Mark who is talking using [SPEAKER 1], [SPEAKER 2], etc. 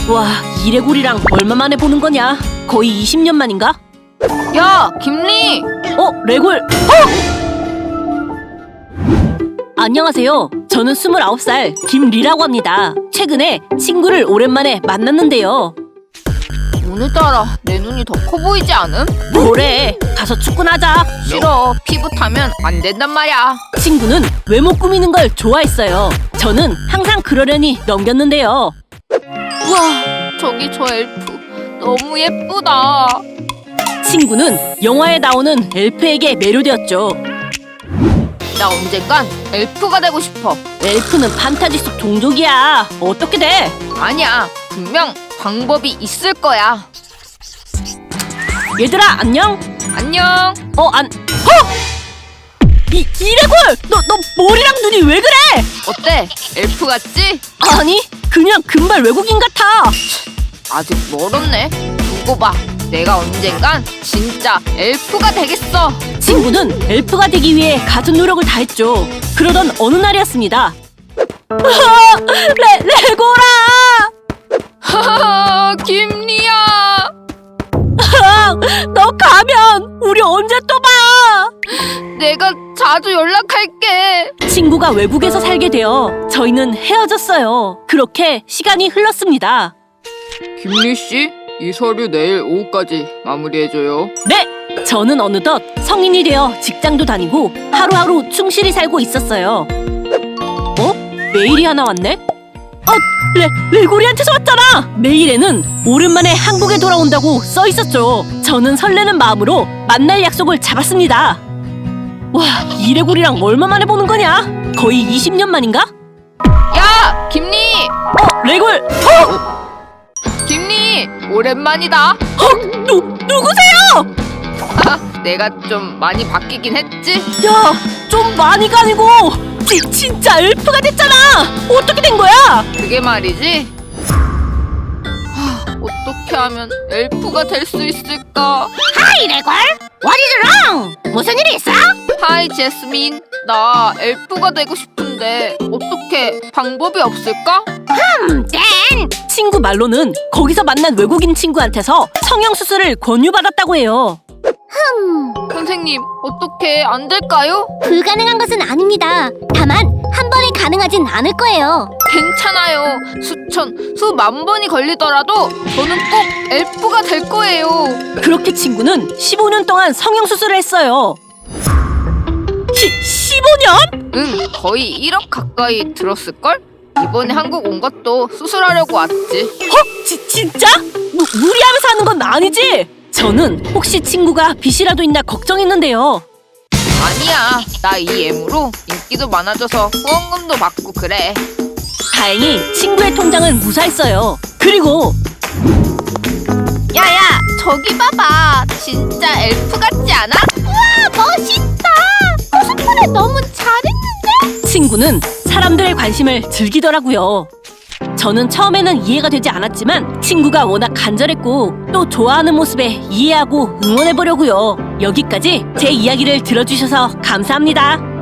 [SPEAKER 1] 와, 이래골이랑 얼마 만에 보는 거냐? 거의 20년 만인가?
[SPEAKER 2] 야, 김리!
[SPEAKER 1] 레골! 안녕하세요. 저는 29살 김리라고 합니다. 최근에 친구를 오랜만에 만났는데요.
[SPEAKER 2] 오늘따라 내 눈이 더 커 보이지 않음?
[SPEAKER 1] 뭐래? 가서 축구나 하자.
[SPEAKER 2] 싫어, 피부 타면 안 된단 말이야.
[SPEAKER 1] 친구는 외모 꾸미는 걸 좋아했어요. 저는 항상 그러려니 넘겼는데요.
[SPEAKER 2] 우와, 저기 저 엘프 너무 예쁘다.
[SPEAKER 1] 친구는 영화에 나오는 엘프에게 매료되었죠.
[SPEAKER 2] 나 언젠간 엘프가 되고 싶어.
[SPEAKER 1] 엘프는 판타지 속 동족이야. 어떻게 돼?
[SPEAKER 2] 아니야, 분명 방법이 있을 거야.
[SPEAKER 1] 얘들아, 안녕?
[SPEAKER 2] 안녕.
[SPEAKER 1] 이래골! 너 머리랑 눈이 왜 그래?
[SPEAKER 2] 어때? 엘프 같지?
[SPEAKER 1] 아니, 그냥 금발 외국인 같아.
[SPEAKER 2] 아직 멀었네. 두고 봐. 내가 언젠간 진짜 엘프가 되겠어.
[SPEAKER 1] 친구는 엘프가 되기 위해 갖은 노력을 다했죠. 그러던 어느 날이었습니다. 레고라!
[SPEAKER 2] 하하, 김리야.
[SPEAKER 1] 너 가면 우리 언제 또 봐?
[SPEAKER 2] 내가 자주 연락할게.
[SPEAKER 1] 친구가 외국에서 살게 되어 저희는 헤어졌어요. 그렇게 시간이 흘렀습니다.
[SPEAKER 2] 김리 씨, 이 서류 내일 오후까지 마무리해줘요.
[SPEAKER 1] 네! 저는 어느덧 성인이 되어 직장도 다니고 하루하루 충실히 살고 있었어요. 메일이 하나 왔네? 레고리한테서 왔잖아! 메일에는 오랜만에 한국에 돌아온다고 써 있었죠. 저는 설레는 마음으로 만날 약속을 잡았습니다. 와, 이래골이랑 얼마 만에 보는 거냐? 거의 20년 만인가?
[SPEAKER 2] 야, 김리!
[SPEAKER 1] 레골!
[SPEAKER 2] 김리, 오랜만이다.
[SPEAKER 1] 누구세요?
[SPEAKER 2] 내가 좀 많이 바뀌긴 했지?
[SPEAKER 1] 야, 좀 많이가 아니고 진짜 엘프가 됐잖아. 어떻게 된 거야?
[SPEAKER 2] 그게 말이지. 어떻게 하면 엘프가 될 수 있을까?
[SPEAKER 1] 하이 레골, What is wrong? 무슨 일이 있어?
[SPEAKER 2] 하이 제스민, 나 엘프가 되고 싶은데 어떻게 방법이 없을까?
[SPEAKER 1] 땡! 친구 말로는 거기서 만난 외국인 친구한테서 성형수술을 권유받았다고 해요.
[SPEAKER 2] 선생님, 어떻게 안 될까요?
[SPEAKER 3] 불가능한 것은 아닙니다. 다만 한 번에 가능하진 않을 거예요.
[SPEAKER 2] 괜찮아요. 수만 번이 걸리더라도 저는 꼭 엘프가 될 거예요.
[SPEAKER 1] 그렇게 친구는 15년 동안 성형수술을 했어요. 15년?
[SPEAKER 2] 응, 거의 1억 가까이 들었을걸? 이번에 한국 온 것도 수술하려고 왔지.
[SPEAKER 1] 진짜? 무리하면서 하는 건 아니지? 저는 혹시 친구가 빚이라도 있나 걱정했는데요.
[SPEAKER 2] 아니야, 나 이 애무로 인기도 많아져서 후원금도 받고 그래.
[SPEAKER 1] 다행히 친구의 통장은 무사했어요. 그리고
[SPEAKER 2] 야야, 저기 봐봐. 진짜 엘프 같지 않아?
[SPEAKER 3] 와, 멋있다. 코스프레 너무 잘했는데?
[SPEAKER 1] 친구는 사람들의 관심을 즐기더라고요. 저는 처음에는 이해가 되지 않았지만 친구가 워낙 간절했고 또 좋아하는 모습에 이해하고 응원해보려고요. 여기까지 제 이야기를 들어주셔서 감사합니다.